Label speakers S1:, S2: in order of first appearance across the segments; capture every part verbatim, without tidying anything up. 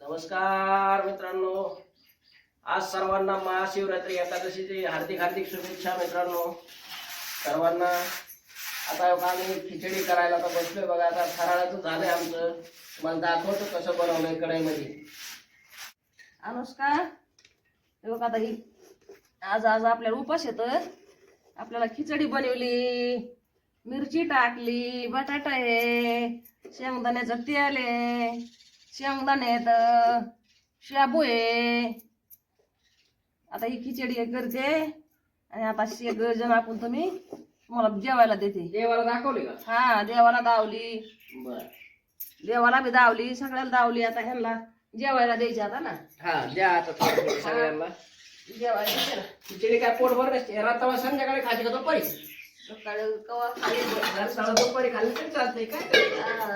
S1: नमस्कार मित्रांनो, आज सर्वांना महाशिवरात्री एकादशीची हार्दिक हार्दिक शुभेच्छा मित्रांनो सर्वांना। आता आम्ही खिचडी करायला तर बसलोय बघा। आता फराळाचं झालंय आमचं, तुम्हाला दाखवतो कसं बनवलंय कढईमध्ये।
S2: अनुष्का हे बघ, आता ही आज आज आपल्याला उपास येत, आपल्याला खिचडी बनवली, मिरची टाकली, बटाटा आहे, शेंगदाण्याचं तेल आहे, शेंगदाणे आहेत, शाबू आहे। आता ही खिचडी करते आणि आता शेग जण आपण तुम्ही तुम्हाला जेवायला देते।
S1: देवाला दाखवली का?
S2: हा, देवाला दावली,
S1: बर,
S2: देवाला बी दावली, सगळ्याला दावली। आता ह्यांना जेवायला द्यायची आता ना।
S1: हा द्या आता थोडं थोडं सगळ्यांना
S2: जेवायला द्यायचं ना।
S1: खिचडी काय पोटभर नसते, रात्रभर संध्याकाळी खायची का दुपारी?
S2: सकाळी कवा खाली
S1: रात्रभर दुपारी खाल्ली तरी चालतंय काय?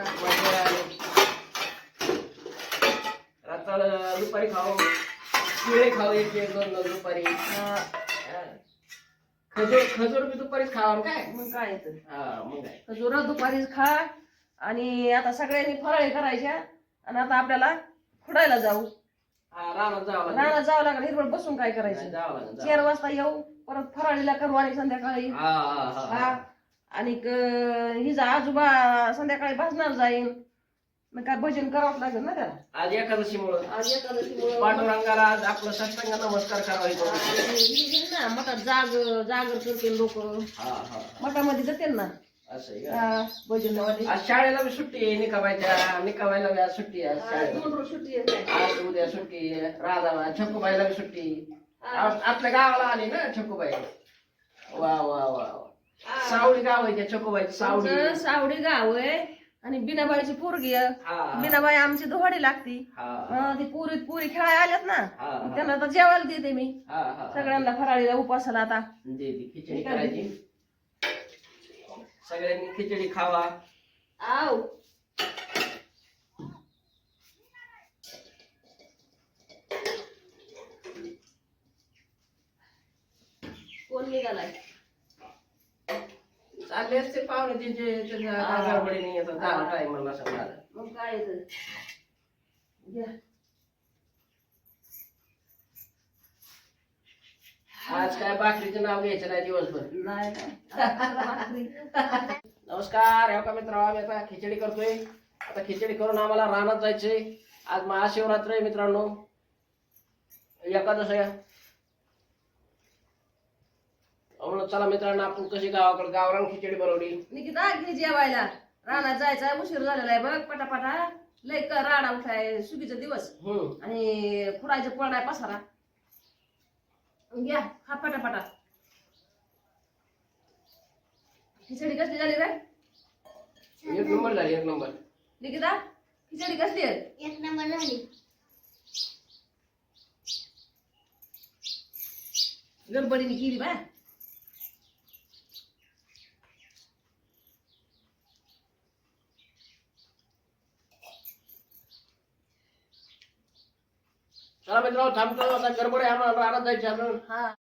S1: रात्र दुपारी खाऊ, शिळे खाऊ, एक एक दोन दोन दुपारी। खजूर खजूर बी दुपारीच खावा काय?
S2: मग काय येतं,
S1: हा मग काय,
S2: खजूर दुपारीच खा। आणि आता सगळ्यांनी फराळी करायच्या आणि आता आपल्याला खुडायला जाऊ,
S1: हा रानात जावं लागेल,
S2: रानात जावं लागेल। हिरवळ बसून काय करायचं,
S1: जावं लागेल जावं
S2: चार वाजता येऊ, परत फराळीला करू आणि संध्याकाळी
S1: लागेल। हा हा हा
S2: हा। आणि हिचा आजोबा संध्याकाळी भाजणार जाईन, मग काय भजन करावं लागेल ना त्याला।
S1: आज एकादशी मुळे
S2: आज एकादशी
S1: पांडुरंगाला आज आपलं साष्टांग नमस्कार करायचा।
S2: ना मठात जाग जागर करते लोक,
S1: हा हा
S2: मठामध्ये जाते ना
S1: असं आहे का?
S2: भजन।
S1: आज शाळेला बी सुट्टी आहे, निकाबायच्या निकाबायला बी आज सुट्टी आहे, आज शाळेला
S2: दोन रोज सुट्टी आहे।
S1: आज उद्या सुट्टी आहे, राधा छकुबाईला बी सुट्टी। आप- आपल्या गावाला आली ना छकुबाई, वा वा वा वा। सावडी गाव आहे त्या छकुबाईची, सावडी
S2: आमचं सावडी गाव आहे आणि बिनाबाईची पोरगी आहे।
S1: हा
S2: बिनाबाई आमची दोहाडी लागती।
S1: हा
S2: अं, ती पुरी पुरी खेळायला आल्यात ना,
S1: हा हा
S2: त्यांना आता जेवायला देते मी
S1: हा हा
S2: सगळ्यांना फराळीला उपासाला। आता
S1: दे दे, खिचडी करायची, सगळ्यांनी खिचडी खावा।
S2: आव कोण निघालाय?
S1: चालले असते पाहुणे तिचे, त्यांच्या गडबडीने येतात, झाला टाइम मला सांगा।
S2: मग काय येतं, घ्या।
S1: आज काय भाकरीचं नाव घ्यायचं नाही दिवसभर।
S2: नाही नाही
S1: नमस्कार, हो का मित्र, आम्ही आता खिचडी करतोय। आता खिचडी करून आम्हाला रानात जायचंय। आज महाशिवरात्र आहे मित्रांनो, एकादश आहे। म्हणून चला मित्रांनो, आपण कशी गावाकडे गावरान खिचडी बनवली।
S2: निकिता घे जेवायला, रानात जायचा उशीर झालेला आहे बघ। पटापटा लय क- राडा उठाय, सुगीचा दिवस
S1: हम्म
S2: आणि खुडायचं पळाय पसारा। घ्या खा पटापटा। खिचडी कसली झाली रे
S1: एक नंबर झाली, एक नंबर।
S2: निकिता? खिचडी कसली आहे?
S3: एक नंबर झाली।
S2: गडबडीने केली बा।
S1: चला मित्रांनो, थांबतो, आता गडबड आहे, आम्हाला रानात जायचं आपण।
S2: हा